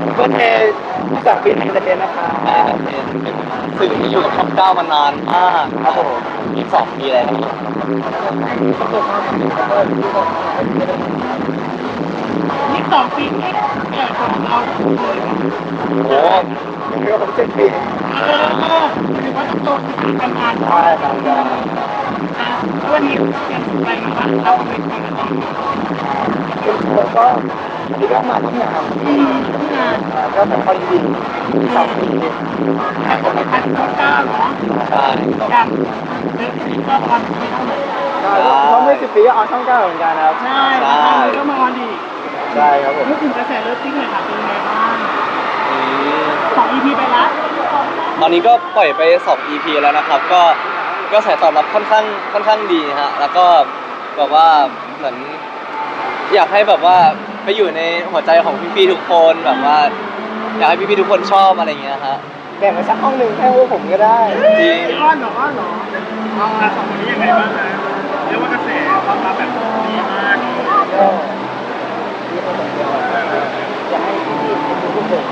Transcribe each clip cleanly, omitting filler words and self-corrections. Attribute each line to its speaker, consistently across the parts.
Speaker 1: ก็เทจากปีนี้จะเทนะคะ
Speaker 2: สื่อที่อยู่กับช่องเก้ามานานมากครับผม2 ปีแล้ว
Speaker 3: นี่2 ปีที่แก่กว่าเราเลย
Speaker 2: โอ้
Speaker 1: ยังไม่ครบ7 ปี
Speaker 3: ถือว่าต้องโตขึ้นกันงาน
Speaker 1: ใช่ครับใช่
Speaker 3: วันนี้ยังไปมาบ้างเราเป็นคนละที
Speaker 1: คุณครูก็ที่ก็มาที่งาน
Speaker 3: งาน
Speaker 1: ก็เป็นคนดี2 ปี
Speaker 3: แต่คนละพันก็เก้าเนาะ
Speaker 2: ใช่
Speaker 3: กันเด็กก็ตอนที่เท่าไหร่
Speaker 1: ใช่เพราะเมื่อ10 ปีก็ออนช่อง 9เหมือนกันครับ
Speaker 3: ใช่แล้วก็มาดี
Speaker 1: ใช่ครับผม
Speaker 3: พูดถึงกระแสเลิฟซิ่งเลยค่ะเป็นไงบ้าง
Speaker 2: อืม
Speaker 3: 2 EP ไปละ
Speaker 2: ตอนนี้ก็ปล่อยไป2 EP แล้วนะครับก็สายตอบรับค่อนข้างดีฮะแล้วก็แบบว่าเหมือนอยากให้แบบว่าไปอยู่ในหัวใจของพี่ๆทุกคนแบบว่าอยากให้พี่ๆทุกคนชอบอะไรอย่างเงี้ยฮะ
Speaker 1: แบ่งไปสักห้องหนึ่งให้พวกผมก็ได้
Speaker 2: จริง
Speaker 3: อ้อนเหรอเอาสองคนนี้ยังไงบ้างนะเรียกว่ากระแสตอบรับแบบดีมาก
Speaker 1: ก็มีคนบอกว่าอยากให้พี่ๆเป็นผู้ผม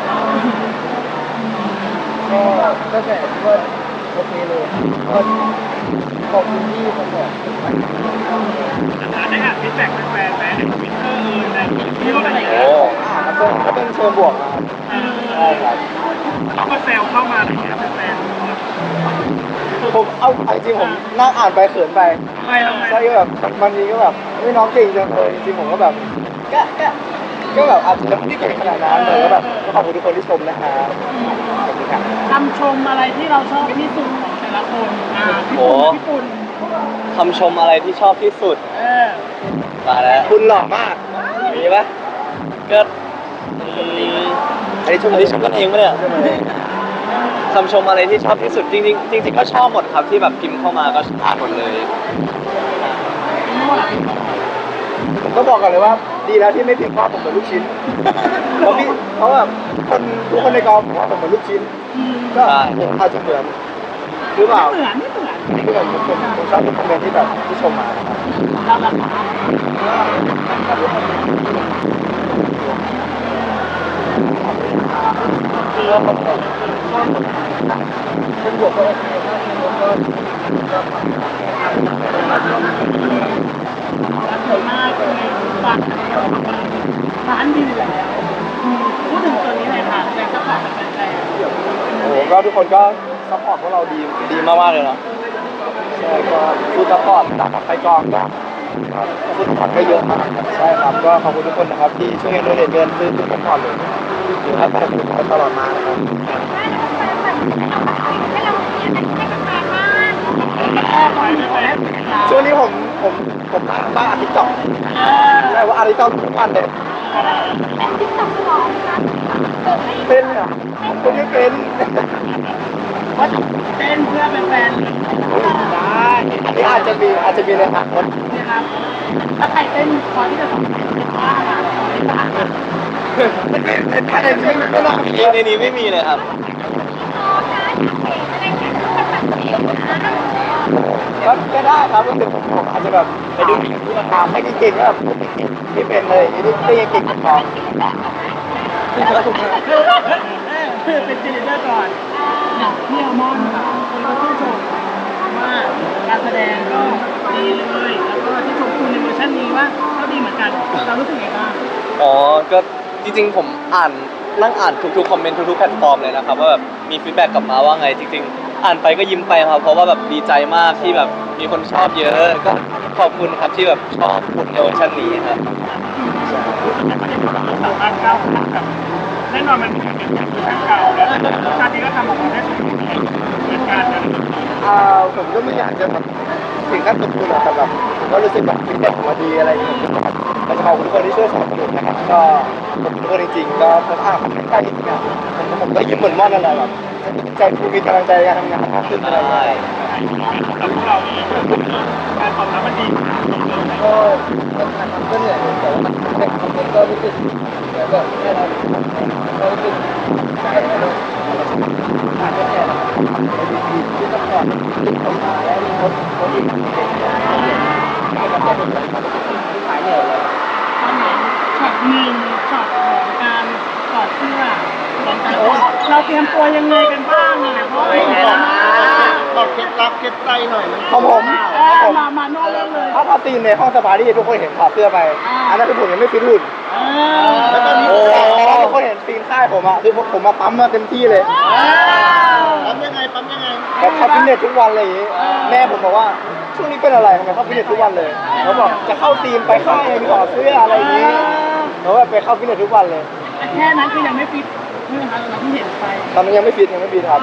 Speaker 1: ก็แต่ว่าโอเคเลยก็ขอบคุณที่ผมบอก
Speaker 3: ได้อ่านฟีดแบ็กแฟนๆไหมในทวิตเตอร์ในที่ว่าอะไร
Speaker 2: โอ้
Speaker 1: ก็เป็นเชิงบวกนะครับใช่ครับ
Speaker 3: เขาก็แซวเข้ามาอะไรเงี้ยแฟน
Speaker 1: ผมเอาจริงผมนั่งอ่านไปเขินไป
Speaker 3: ๆไปทำไม
Speaker 1: ใช่ก็แบบบางทีก็แบบไม่น้องเก่งจังเลยจริงๆผมก็แบบก็แบบอาจจะไม่ได้เก่งขนาดนั้นแต่ก็แบบก็ขอบคุณทุกคนที่ชมนะครับขอบคุณครับ
Speaker 3: คำชมอะไรที่เราชอบที่สุดของแต่ละคนพี่ปุ่น
Speaker 2: คำชมอะไรที่ชอบที่สุดมาแล้ว
Speaker 1: คุณหล่อมาก
Speaker 2: มีปะก็
Speaker 1: อันนี้ชม
Speaker 2: อันนี้ชมกันเองปะเนี่ย
Speaker 1: ใช่ไหม
Speaker 2: คำชมอะไรที่ชอบที่สุดจริงๆจริงๆก็ชอบหมดครับที่แบบพิมพ์เข้ามาก็อ่านหมดเลย
Speaker 1: ผมก็บอกก่อนเลยว่าดีแล้วที่ไม่พิมพ์ว่าผมเหมือนลูกชิ้นเพราะแบบทุกคนในกองผมว่าผมเหมือนลูกชิ้นก็ผมอาจจะเหมือนหรือเปล่า
Speaker 3: ไม่เหมือน
Speaker 1: คือแบบผมชอบทุกคอมเมนต์ที่แบบที่ชมมานะครับ
Speaker 3: เราแบบ
Speaker 1: คือว่าผมเป็นบวกก็โอเคถ้าเป็นลบก็
Speaker 3: สวยมากเป็นไงฝันร้านดีแล้วพูดถึงตัวนี้เลยค่ะแรงซัพพอร์ตจากแฟน
Speaker 1: โอ้โหก็ทุกคนก็ซัพพอร์ตพวกเราดีมากๆเลยเนาะใช่ก็ฟูดซัพพอร์ตจากไปกองก็ฟูดซัพพอร์ตก็เยอะมากใช่ครับก็ขอบคุณทุกคนนะครับที่ช่วยกันด้วยเงินซื้อฟูดซัพพอร์ตเลยอยู่ให้แฟนๆกันตลอดมานะครับช่วงนี้ผมบ้าอาทิตย์ต่อใช่ว่าอาทิตย์ต่อทุกวันเลยเป็นอ่ะผมไม่เป็น
Speaker 3: ๆว่าเต้นเพื่อเป็นแฟน
Speaker 1: ได้นี่อาจจะมีในอนาคต
Speaker 3: นะครับถ้าใครเต้นพอที่จะสอนเป็นว่าอะไร
Speaker 1: ถ้าในนี้ไม่น่ามี
Speaker 2: ในนี้ไม่มีเลยครับ
Speaker 1: ก็ได้ครับก็คือผมอาจจะแบบไปดูที่ราคาไม่เก่งก็แบบไม่เป็นเลยนี่ไม่เก่งพอ
Speaker 3: เป็นเจนเดอร์ก่อนพี่อัลมอนด์ค่ะคนก็ชื่นชมว่าการแสดงก็ดีเลยแล้วก็ที่ชมคุณในเวอร์ชันนี้ว่าก็ดีเหมือนกันเรารู้สึกไงบ้าง
Speaker 2: อ๋อก็จริงๆผมนั่งอ่านทุกๆคอมเมนต์ทุกๆแพลตฟอร์มเลยนะครับว่าแบบมีฟีดแบ็กกลับมาว่าไงจริงๆอ่านไปก็ยิ้มไปครับเพราะว่าแบบดีใจมากที่แบบมีคนชอบเยอะก็ขอบคุณครับที่แบบชอบคุณในเวอร์ชันนี้ครับ
Speaker 3: สามารถก้าวข้ามกับแน่นอนมันมีการเปลี่ยนแปลงทางเก่าแล้วชาตินี้ก็ทำออกมาได้สมบูรณ์เหมือนกันนะ
Speaker 1: ผมก็ไม่อยากจะแบบถึงขั้นสมบูรณ์หรอกแต่แบบผมก็รู้สึกแบบฟีดแบ็กมาดีอะไรอย่างเงี้ยก็จะขอบคุณทุกคนที่ช่วยสนับสนุนนะครับก็ขอบคุณทุกคนจริงๆก็ผมคอมเมนต์ได้จริงๆอ่ะผมก็ยิ้มเหมือนม่อนนั่นแหละแบบใจฟูมีกำลังใจในการทำงานมากขึ้นอะไรอย่างเงี้ย
Speaker 3: แล้วพวกเราการตอบรับมันดี
Speaker 1: ก็การทำก็เหนื่อยแต่ว่ามันแต่คอมเมนต์ก็รู้สึกแบบแค่เราก็รู้สึกใจแล้วอาจจะแค่ที่ต้องก่อนที่เขามาแล้วที่เขาดีให้กับคนขายเหนื่อยเลย
Speaker 3: ตอนไหนช็อตหนึ่งช็อตของการถอดเสื้อเราเตรียมตัวยังไงกันบ้างอ่ะเพราะว่าเห็นแล้วนะ
Speaker 1: บอกเคล็ดลับเคล็ดใจหน่อย
Speaker 4: ของผม
Speaker 3: มาโน่เริ่มเลย
Speaker 4: ถ้าซีนในห้องสปาที่ทุกคนเห็นถอดเสื้อไป อันนั้นคือผมยังไม่ฟิตหุ่น
Speaker 1: แล้วตอนนี้
Speaker 4: แต่ทุกคนเห็นซีนค่ายผมอะคือผมมาปั๊มมาเต็มที่เลย
Speaker 1: ปั๊มยังไงปั๊มยังไง
Speaker 4: แบบเข้าฟิตเนสทุกวันเลยอย่างงี้แม่ผมบอกว่าช่วงนี้เป็นอะไรทำไมเข้าฟิตเนสทุกวันเลยเขาบอกจะเข้าทีมไปค่ายมีถอดเสื้ออะไรอย่างงี้แล้วแบบไปเข้าฟิตเนสทุกวันเลย
Speaker 3: แค่นั้นคือยังไม่ฟิตใช่ไหมคะเราที่เห็นไป
Speaker 4: ตอนนั้นยังไม่ฟิตครับ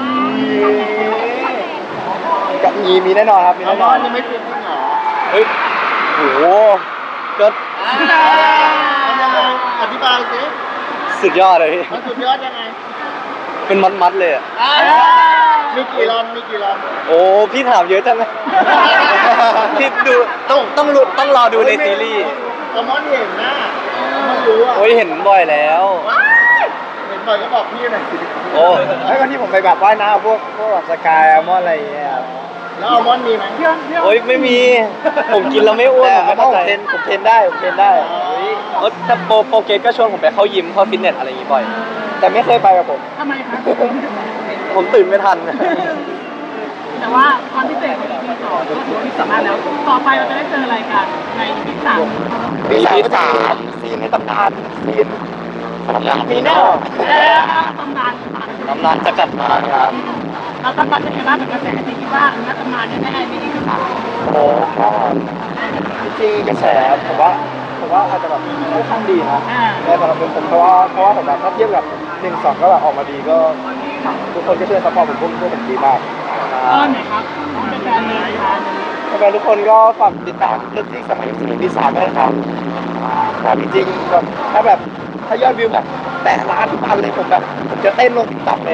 Speaker 4: กับมีแน่นอนครับมี
Speaker 1: เอา
Speaker 4: แน่
Speaker 1: ม
Speaker 4: น
Speaker 1: อ
Speaker 4: อน น
Speaker 1: ยังไม่เปลี่ยนจริงเหรอ
Speaker 2: เฮ้ยโหก็
Speaker 1: มันยังไงอธิบายสิ
Speaker 2: สุดยอดเลยพี่
Speaker 1: มันสุดยอดยังไง
Speaker 2: เป็นมัดๆเลยอะ
Speaker 1: มีกี่รอนมีกี่รอน
Speaker 2: โอ้พี่ถามเยอะจังเลยพี่ดูต้องรอดูในซีรีส์
Speaker 1: เอามอนเห็นนะมันรู้อ่ะ
Speaker 2: โอ้ยเห็นบ่อยแล้ว
Speaker 1: เห็นบ่อยก็บอกพี่หน่อยสิ
Speaker 2: โอ้
Speaker 4: ไอ้วันที่ผมไปแบบว่ายน้ำพวกแบบสกายอัลมอนด์อะไรอย่างเงี้ยครับ
Speaker 1: แล้วเอามอนมีไหม
Speaker 3: พี่อ้น
Speaker 2: โอ้ยไม่มี ผมกินแล้วไม่อ้วน
Speaker 4: แต่
Speaker 2: ผมไม่
Speaker 4: ต้อ
Speaker 2: เข้าง ใจ
Speaker 4: ผมเทรนได้
Speaker 2: เออแต่โปรเกตก็ชวนผมไปเข้ายิมเข้าฟิตเนสอะไรอย่างงี้บ่อย
Speaker 4: แต่ไม่เคยไปกับผม
Speaker 3: ทำไมคะ
Speaker 2: ผมตื่นไม่ทัน
Speaker 3: แต่ว่าความพิเศษของ EP 2ก็ถือว่ามีสามารถแล้ว ต่อไปเราจะได้เจออะไรกันใน EP 3
Speaker 4: ปีสามซีนในตำนานซีนมีแน่
Speaker 3: ตำนาน
Speaker 2: กำลังจะกลับมาครับ
Speaker 3: เราตำนานจะเห็นว่าเหมือนกระแสที่คิดว่านักตำนานแน่ๆใน EP 3
Speaker 4: โอ้จริงกระแสผมว่าอาจจะแบบค่อนข้างดีนะในสำหรับผมเพราะว่าผมแบบถ้าเทียบกับ1-2ก็แบบออกมาดีก็ทุกคนก็ช่วยซัพพอร์ตผมพวกผมดีมาก
Speaker 3: อ้อนหน่อยครับเป็นแฟนเลยค่ะ
Speaker 4: แฟนทุกคนก็ฝากติดตามเรื่องที่สมัยปีสามด้วยนะครับแต่จริงๆแบบถ้ายอดวิวแบบแต่ล้านทุกพันเลยผมจะเต้นลงติ๊กต็อกเลย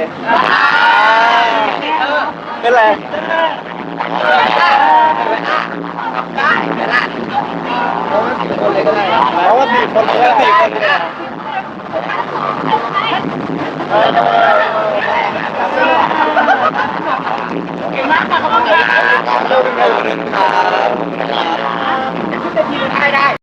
Speaker 2: เป็นไร
Speaker 4: เพราะว่า4 คนเลยก็ได้
Speaker 2: 4 คนเลยอะ
Speaker 3: เก่งมากค่ะขอบคุณค่ะ
Speaker 2: ขอบคุณครับ